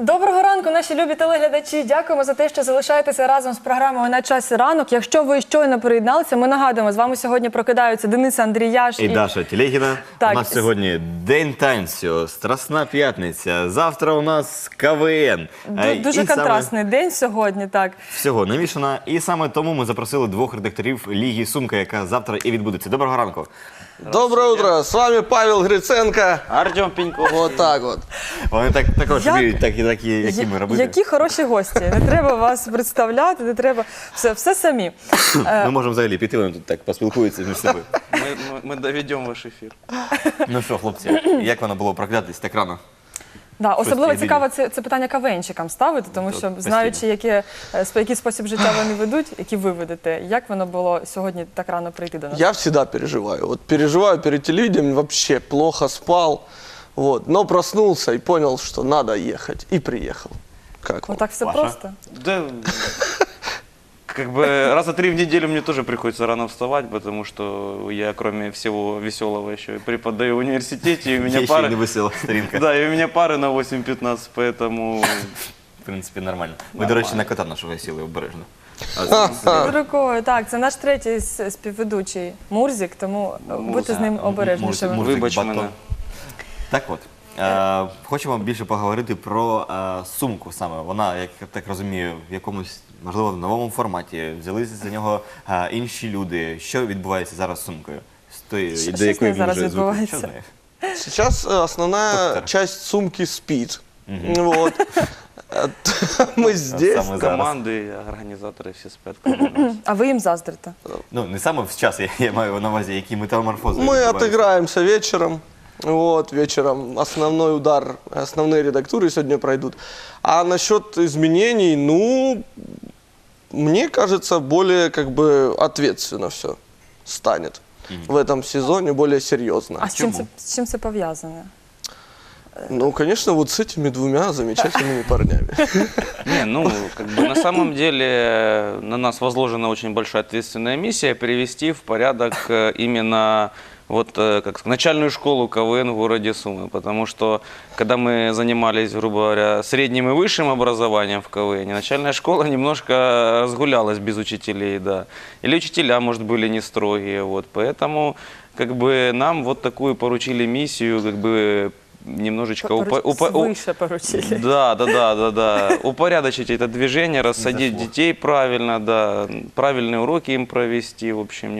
Доброго ранку, наші любі телеглядачі. Дякуємо за те, що залишаєтеся разом з програмою «На часі ранок». Якщо ви щойно приєдналися, ми нагадуємо, з вами сьогодні прокидаються Денис Андріяш і Даша Телегіна. Так. У нас сьогодні День танцю, Страсна п'ятниця. Завтра у нас КВН. Дуже контрастний день сьогодні, так. Всього намішано. І саме тому ми запросили двох редакторів Ліги Сумка, яка завтра і відбудеться. Доброго ранку. Доброе утро, с вами Павел Гриценко. Артем Пеньков. Вот так вот. Вони також вміють такі, які ми робити. Які хороші гості. Не треба вас представляти, не треба. Все самі. Ми можемо взагалі піти, вони тут так поспілкуються між собою. Мы доведем ваш эфир. Ну що, хлопці, як воно було прокидатись так рано? Да, особливо таке цікаво це питання КВНщикам ставити, тому що знаючи, який спосіб життя вони ведуть, які ви ведете, як воно було сьогодні так рано прийти до нас? Я всегда переживаю. Вот переживаю перед телевидением, вообще плохо спал. Вот, но проснулся и понял, что надо ехать. И приехал. Как вам? Ну так все Паша? просто. Да, как бы раза 3 в неделю мне тоже приходится рано вставать, потому что я, кроме всего веселого, еще и преподаю в университете, и у меня Є ще й пары... невесела сторінка. Да, и у меня пары на 8:15, поэтому... В принципі, нормально. Ми, до речі, на кота нашого сіли обережно. Під рукою, так, це наш третій співведучий Мурзик, тому будьте з ним обережнішими. Мурзик, Вибач батон. мене. Так от, хочемо більше поговорити про сумку саме. Вона, як я так розумію, в якомусь, можливо, новому форматі. Взялися за нього інші люди. Що відбувається зараз з сумкою? До якої з нею він зараз вже звик? відбувається? Що з нею? Сейчас основная Доктор. часть сумки спит. Вот. Мы здесь. Саме зараз. Команды, организаторы все спят. команды. А ви їм заздрите? Ну, не саме в час, я маю на увазі, які метаморфози Мы відбуваються. отыграемся вечером. Вот, вечером основной удар, основные редактуры сегодня пройдут. А насчет изменений, ну, мне кажется, более как бы ответственно все станет в этом сезоне, более серьезно. А з чим це пов'язане? Ну, конечно, вот с этими двумя замечательными парнями. Не, ну, как бы на самом деле на нас возложена очень большая ответственная миссия привести в порядок именно вот как начальную школу КВН в городе Сумы, потому что когда мы занимались, грубо говоря, средним и высшим образованием в КВН, начальная школа немножко разгулялась без учителей, да, или учителя, может, были не строгие, вот, поэтому как бы нам вот такую поручили миссию, как бы немножечко Свыше поручили. да. Упорядочить это движение, рассадить детей правильно, да, правильные уроки им провести, в общем,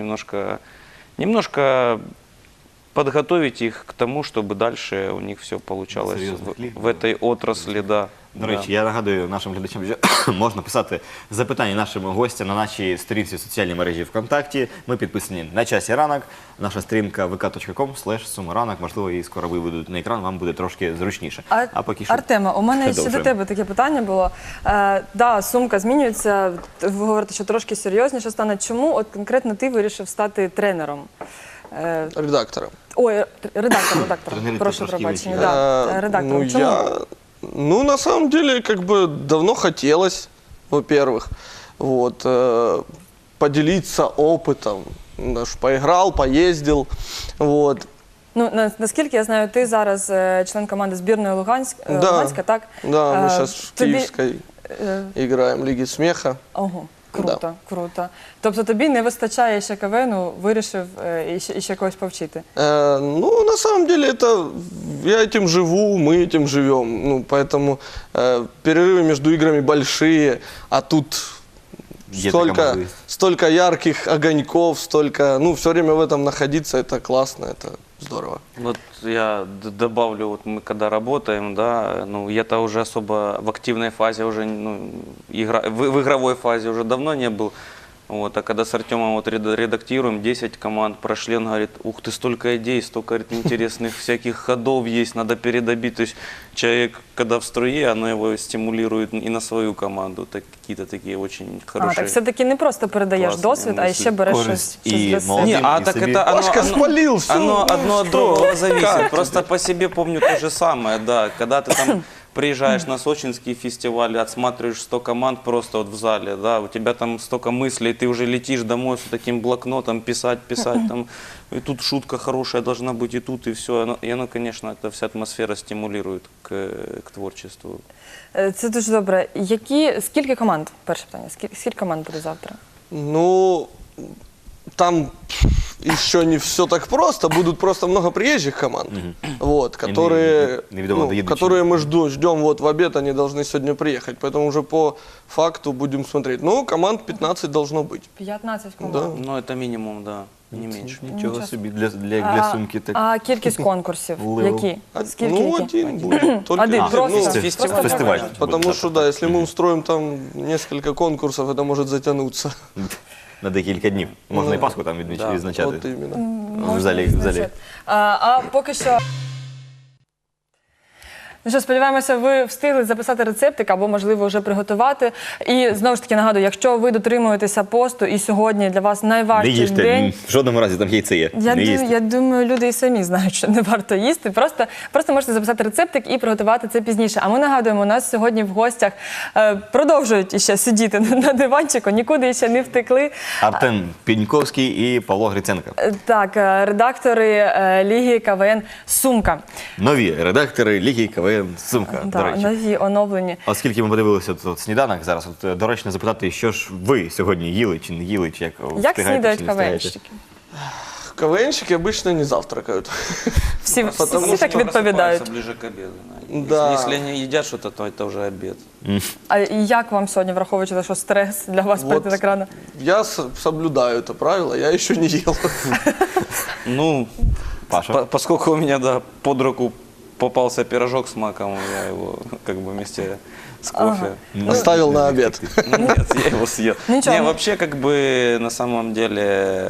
немножко подготовить их к тому, чтобы дальше у них все получалось в этой отрасли, да. До речі, я нагадую нашим глядачам, що можна писати запитання нашим гостям на нашій сторінці в соціальній мережі ВКонтакті. Ми підписані «На часі ранок». Наша сторінка vk.com/sumaranок. Можливо, її скоро виведуть на екран, вам буде трошки зручніше. А поки що Артема, у мене ще до продовжуємо. тебе таке питання було. Да, сумка змінюється, ви говорите, що трошки серйозніше стане. Чому от конкретно ти вирішив стати тренером? Редактором. Ой, редактором, Тренери прошу трошки пробачення. інші, Да, редактором. Ну, Чому? ну, на самом деле, как бы давно хотелось, во-первых, вот, поделиться опытом. Даже поиграл, поездил, вот. Ну, наскільки я знаю, ти зараз член команди збірної Луганська, так? Да, мы сейчас в тобі- Киевской играем Лиги смеха. Ого, круто, круто. Тобто тобі не вистачає ще КВНу, вирішив іще когось повчити? Ну, на самом деле, это я этим живу, мы этим живем. Ну, поэтому перерывы между играми большие, а тут Есть такая столько, возможность. столько ярких огоньков, столько, ну, все время в этом находиться, это классно, это здорово. Вот я добавлю, вот мы когда работаем, да, ну я-то уже особо в активной фазе уже, ну, в игровой фазе уже давно не был. Вот, а когда с Артемом вот редактируем, 10 команд прошли, он говорит, ух ты, столько идей, столько, говорит, интересных всяких ходов есть, надо передобить. То есть человек, когда в струе, оно его стимулирует и на свою команду. Какие-то такие очень хорошие. Так все-таки не просто передаєш класні досвід, а ще береш щось користь щось і для себе. молодим. Не, а и так себе. это Пашка спалил всё, оно ну одно от что? другого зависит. Как Просто по себе помню то же самое, да. Когда ты там приезжаешь на сочинский фестиваль, отсматриваешь 100 команд просто вот в зале, да, у тебя там столько мыслей, ты уже летишь домой с таким блокнотом, писать, там, и тут шутка хорошая должна быть, и тут, и все. И оно, конечно, эта вся атмосфера стимулирует к творчеству. Це дуже добре. Скільки команд? Перше питання. Скільки команд буде завтра? Ну, там еще не все так просто. Будут просто много приезжих команд, вот, которые, которые мы ждем вот в обед, они должны сегодня приехать. Поэтому уже по факту будем смотреть. Ну, команд 15 должно быть. 15 команд. Да. Ну, это минимум, да, не меньше. Нічого собі для сумки. Так. А кількість конкурсів? Левел. Які? Скільки? Ну, які? один будет. Только Один, один. просто. Ну, Фестиваль. Фестиваль. потому что, да, если мы устроим там несколько конкурсов, это может затянуться. На декілька днів. Можна і Пасху там Да. відзначати. Вот именно. В залі. А поки що. Ну що, сподіваємося, ви встигли записати рецептик або, можливо, вже приготувати. І, знову ж таки, нагадую, якщо ви дотримуєтеся посту і сьогодні для вас Не найважчий їжте, день, в жодному разі там яйце є. Не їсти. я думаю, люди і самі знають, що не варто їсти. Просто можете записати рецептик і приготувати це пізніше. А ми нагадуємо, у нас сьогодні в гостях продовжують іще сидіти на диванчику, нікуди ще не втекли. Артем Піньковський і Павло Гриценко. Так, редактори Ліги КВН «Сумка». Нові редактори Ліги КВН «Сумка», до Так, речі. нові, оновлені. Оскільки ми подивилися тут сніданок зараз, доречно запитати, що ж ви сьогодні їли чи не їли, чи як Як встигаєте, снідають чи не встигаєте? КВНщики? КВНщики обычно не завтракают. Всі Потому так що відповідають. Просыпаются ближе к обеду. Да. Да. Если они едят что-то, то это уже обед. А як вам сьогодні, враховуючи, що стрес для вас Вот. прийти так рано? Я соблюдаю это правило, я еще не ел. Ну, Паша? поскольку у меня, да, под руку попался пирожок с маком, я его как бы вместе с кофе. Оставил на обед. Ну, нет, я его съел. Ничего, Не, ну- вообще, как бы, на самом деле,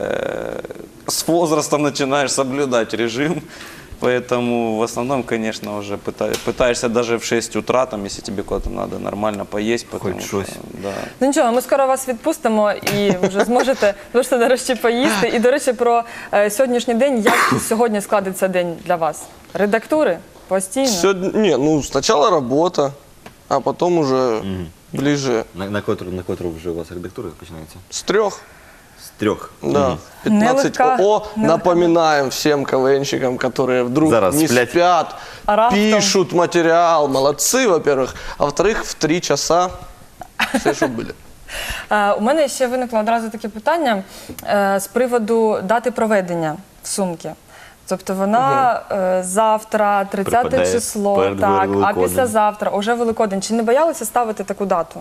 с возрастом начинаешь соблюдать режим, поэтому в основном, конечно, уже пытаешься даже в 6 утра, там, если тебе куда-то надо нормально поесть, потому Хоть что, щось. да. Ну нічого, ми скоро вас відпустимо і вже зможете нарешті поїсти. І, до речі, про сьогоднішній день. Як сьогодні складеться день для вас? Редактури? Постійно? Сегодня, не, ну сначала работа, а потом уже ближе На котру вже у вас редактура починається? с 3. З 3. Да, 15. Нелегка- Напоминаем всем КВНщикам, которые вдруг Зараз не сплять. спят, А раптом? пишут материал. Молодцы, во-первых. А во-вторых, в 3 часа все, чтобы были. У мене ще виникло одразу таке питання з приводу дати проведення в сумки. Тобто вона завтра, 30 Припадає число, перед так, а Великоднем. післязавтра, уже Великодень. Чи не боялися ставити таку дату?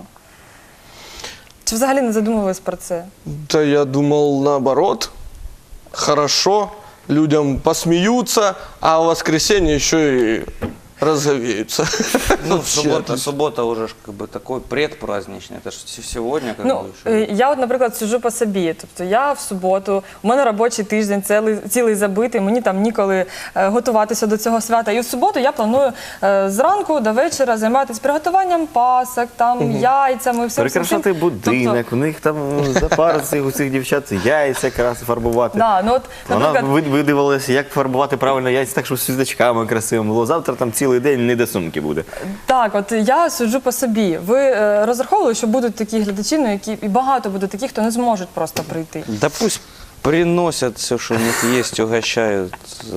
Чи взагалі не задумувались про це? Да я думал наоборот. Хорошо, людям посмеются, а в воскресенье еще и разговеются. Ну, Вообще. суббота уже ж как бы такой предпраздничный, это же сегодня как Ну, бы еще. я от, наприклад, сиджу по собі. Тобто я в суботу, у мене робочий тиждень цілий забитий, мені там ніколи готуватися до цього свята. І в суботу я планую зранку до вечора займатися приготуванням пасок, там, яйцями, всім. Перекрашати всім. будинок, у них там за пару у цих дівчат яйця якраз фарбувати. Да, ну от, Вона наприклад, видивилася, як фарбувати правильно яйця, так, щоб з світочками красивим було. Завтра там цілий день не до сумки буде. так, от я сиджу по собі. Ви розраховували, що будуть такі глядачі, ну, які і багато буде таких, хто не зможуть просто прийти. Да пусть приносят все, что у них есть, угощают.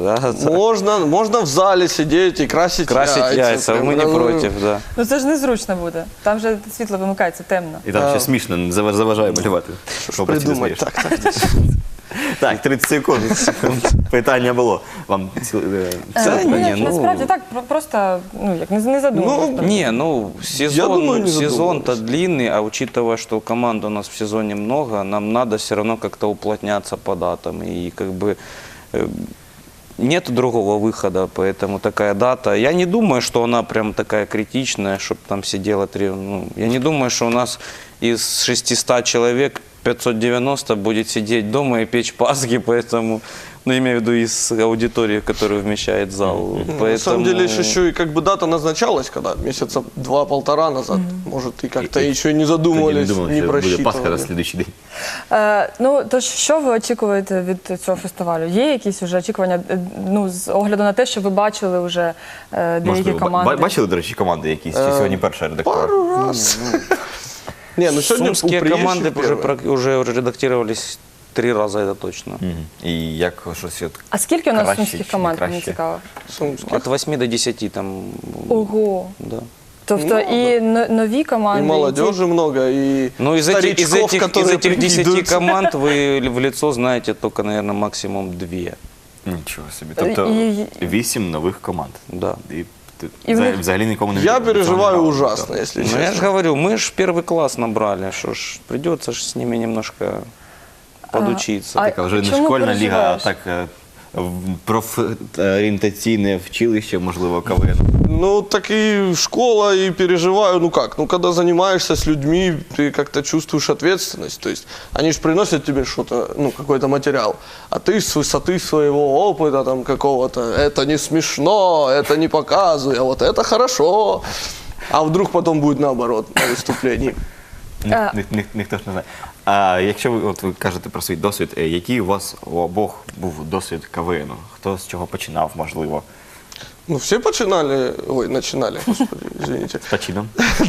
Можно в зале сидеть и красить Яйца, прям, мы не ну, против, да. Ну це ж незручно буде. Там же світло вимикається темно. І там ще смішно, заважає малювати. Що по собі Придумать смієш. так. Так, 30 секунд. Питання було. Вам Насправді так, просто ну, як не задумувалися. Не, ну Я думаю, не сезон-то задумывался. длинный, а учитывая, что команд у нас в сезоне много, нам надо все равно как-то уплотняться по датам. И как бы нет другого выхода, поэтому такая дата. Я не думаю, что она прям такая критичная, чтобы там сидело 3. Ну, я не думаю, что у нас из 600 человек 590 будет сидеть дома и печь пасхи, поэтому, ну, имею в виду из аудитории, которую вмещает зал. На самом деле еще и как бы дата назначалась, когда месяца 2-1,5 назад. Может, и как-то еще и не Тоді задумывались, думав, не що буде Пасха на просчитывали. слідуючий день. Ну, тож, що ви очікуєте від цього фестивалю? Є якісь вже очікування, ну, з огляду на те, що ви бачили вже деякі Можливо, команди? бачили, до речі, команди якісь? Чи сьогодні перша редактора? Пару раз. Не, ну сегодня у Сумские приезжих команды первые. уже редактировались 3 раза, это точно. Мгм. І як щось от А скільки у нас краще сумських чи не команд, мені краще? цікаво? Сумских. От 8 до 10 там. Ого! Да. Тобто Ну, і нові команди, И і ті- молодежи много, и Ну, из старичков, которые этих 10 прикидываются. команд вы в лицо знаете только, наверное, максимум 2. Нічого собі. Тобто І- 8 нових команд. Да. І ти І в них- взагалі нікому не Я відомо, переживаю цього не ужасно, грали. если Ну, я же честно. говорю, мы же первый класс набрали, что ж, придется ж с ними немножко подучиться. а- Така вже не чому школьна ліга, а переживаєш? так профорієнтаційне вчилище, можливо, КВН. Ну, так и школа, и переживаю, ну как, ну когда занимаешься с людьми, ты как-то чувствуешь ответственность, то есть они же приносят тебе что-то, ну, какой-то материал, а ты с высоты своего опыта там какого-то, это не смешно, это не показывай, а вот это хорошо, а вдруг потом будет наоборот на выступлении. Ніхто ж не знає. А якщо ви кажете про свій досвід, який у вас у обох був досвід КВНу? Хто з чого починав, можливо? Ну, все начинали, господи, извините. З почином?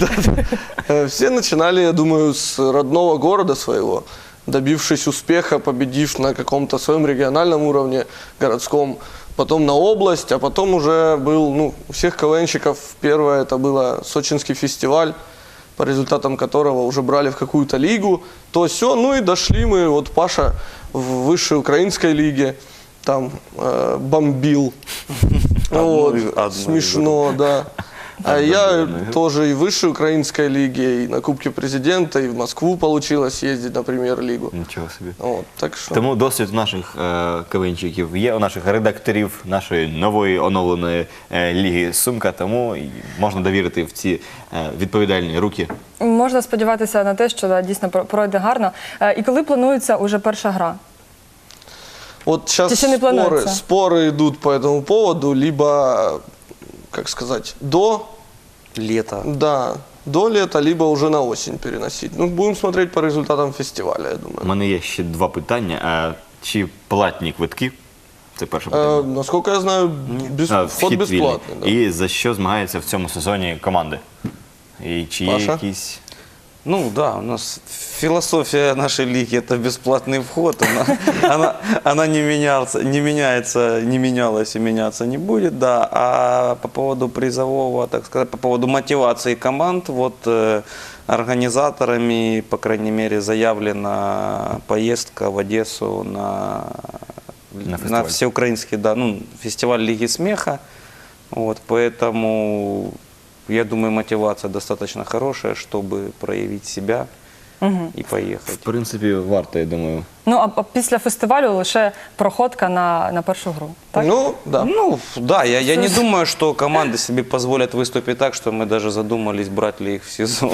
Все начинали, я думаю, с родного города своего, добившись успеха, победив на каком-то своем региональном уровне, городском, потом на область, а потом уже был, ну, у всех КВНщиков первое это было сочинский фестиваль, по результатам которого уже брали в какую-то лигу, то все, ну и дошли мы, вот Паша в высшей украинской лиге, там бомбил, вот, одну смешно, да. А я тоже и в высшей украинской лиге, и на Кубке Президента, и в Москву получилось ездить на премьер-лигу. Нічого собі. Вот, так что... Тому досвід наших КВНчиків є, у наших редакторів нашої нової оновленої ліги «Сумка», тому і можна довірити в ці відповідальні руки. Можна сподіватися на те, що да, дійсно пройде гарно. І коли планується уже перша гра? Вот сейчас Еще не планируется. споры идут по этому поводу, либо, как сказать, Лето. до лета, либо уже на осень переносить. Ну, будем смотреть по результатам фестиваля, я У думаю. мене є ще два питання. Чи платні квитки? Це перше питання. Насколько я знаю, вход Вхід бесплатный. Да. вільний. І за що змагаються в цьому сезоні команди? І чи є Паша? якісь... Ну да, у нас философия нашей лиги – это бесплатный вход. Она не меняется, не менялась и меняться не будет, да. А по поводу призового, так сказать, по поводу мотивации команд, вот организаторами, по крайней мере, заявлена поездка в Одессу на фестиваль. всеукраинский, да, ну, фестиваль Лиги смеха. Вот, поэтому я думаю, мотивация достаточно хорошая, чтобы проявить себя и В поехать. принципі, варто, я думаю. Ну, а після фестивалю лише проходка на першу гру, так? Ну, да. Ну, да, я не думаю, что команды себе позволят выступить так, что мы даже задумались, брать ли их в сезон.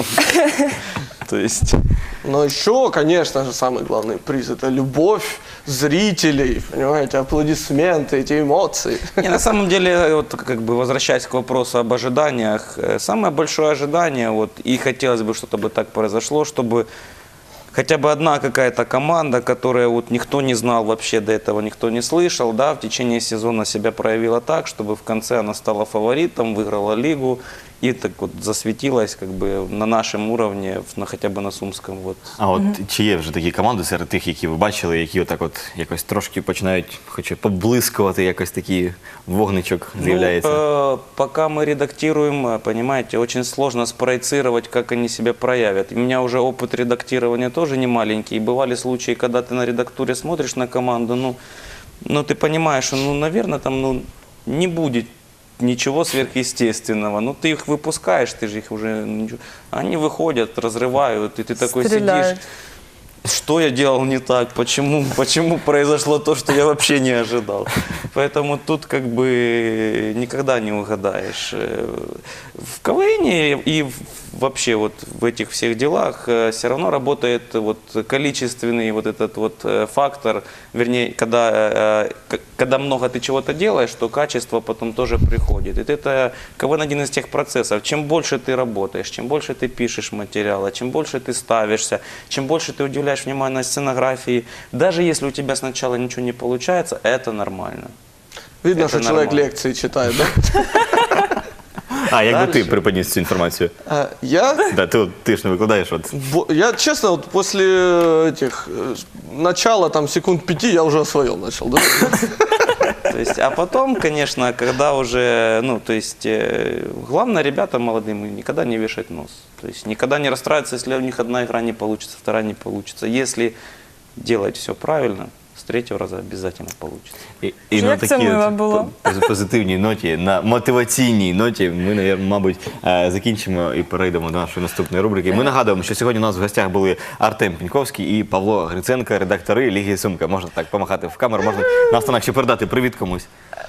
То есть... Но еще, конечно же, самый главный приз – это любовь зрителей, понимаете, аплодисменты, эти эмоции. Не, на самом деле, вот как бы возвращаясь к вопросу об ожиданиях, самое большое ожидание, вот, и хотелось бы, чтобы так произошло, чтобы хотя бы одна какая-то команда, которая вот никто не знал вообще до этого, никто не слышал, да, в течение сезона себя проявила так, чтобы в конце она стала фаворитом, выиграла лигу и так вот засветилась как бы на нашем уровне, хотя бы на Сумском. Вот. А от чи є вже такі команди серед тих, які ви бачили, які отак от якось трошки починають, хоча поблискувати, якось такий вогничок з'являється? Ну, пока мы редактируем, понимаете, очень сложно спроецировать, как они себя проявят. У меня уже опыт редактирования тоже не маленький. И бывали случаи, когда ты на редактуре смотришь на команду, ну ты понимаешь, что, ну, наверное, там, ну, не будет ничего сверхъестественного. Ну, ты их выпускаешь, ты же их уже... Они выходят, разрывают, и ты такой Стреляют. сидишь. Что я делал не так? Почему произошло то, что я вообще не ожидал? Поэтому тут как бы никогда не угадаешь. В КВН и вообще вот в этих всех делах все равно работает вот количественный вот этот вот фактор, вернее, когда много ты чего-то делаешь, то качество потом тоже приходит. И это КВН один из тех процессов. Чем больше ты работаешь, чем больше ты пишешь материала, чем больше ты ставишься, чем больше ты уделяешь внимание сценографии, даже если у тебя сначала ничего не получается, это нормально. Видно, Это что человек нормально. лекции читает, да? А як би Дальше. ти приподніс цю інформацію? Я Да, ти ж не викладаєш. От. Я, честно, вот после этих начала, там, секунд 5, я уже о своем начал, да? То есть, а потом, конечно, когда уже, ну, то есть, главное, ребята молодым, никогда не вешать нос. То есть, никогда не расстраиваться, если у них одна игра не получится, вторая не получится. Если делать все правильно, с третьего раза обязательно получится. І Як це мило було. позитивній ноті, на мотиваційній ноті ми, мабуть, закінчимо і перейдемо до нашої наступної рубрики. Ми нагадуємо, що сьогодні у нас в гостях були Артем Піньковський і Павло Гриценко, редактори Ліги Сумка. Можна так помахати в камеру, можна наостанок ще передати привіт комусь.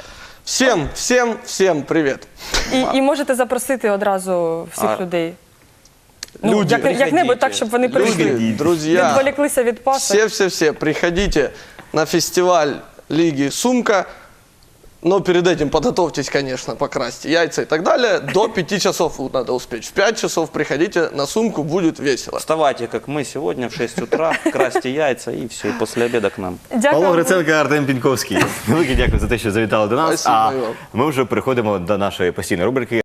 Всем привет. І можете запросити одразу всіх людей. Ну, Люди, як-небудь так, щоб вони прийшли. Люди, друзья, Відволіклися від пасок. все, приходите на фестиваль Лиги Сумка. Но перед этим подготовьтесь, конечно, покрасьте яйца и так далее. До 5 часов надо успеть. В 5 часов приходите на Сумку, будет весело. Вставайте, как мы сегодня, в 6 утра, красьте яйца и все, и после обеда к нам. Павло Дякую. Гриценко, Артем Піньковський. Велике дякую за те, що завітали до нас. Спасибо А вам. ми вже переходимо до нашої постійної рубрики